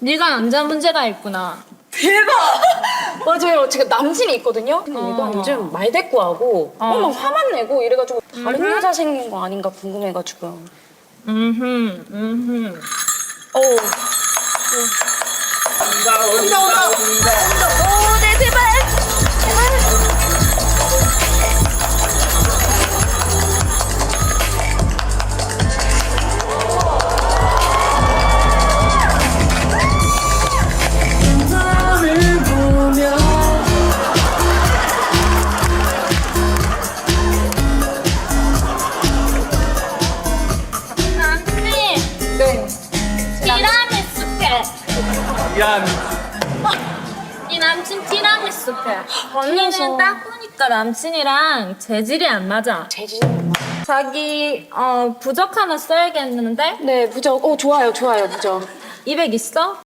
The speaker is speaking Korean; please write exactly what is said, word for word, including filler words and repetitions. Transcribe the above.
네가 남자 문제가 있구나. 대박! 맞아요. 제가 남친이 있거든요. 근데 얘가 어. 요즘 말대꾸하고 어. 어. 막 화만 내고 이래가지고 다른 음. 여자 생긴 거 아닌가 궁금해가지고요. 음흠, 음흠. 어우. 온다 온다 온다 온다. 오, 네, 제발! 제발! 남친, 네. 티라미수 해. 미안. 이 남친 티라미수 해. 걸려서. 언니는 딱 보니까 남친이랑 재질이 안 맞아. 재진. 자기 어 부적 하나 써야겠는데? 네, 무적. 오, 좋아요, 좋아요, 무적. 이백 있어?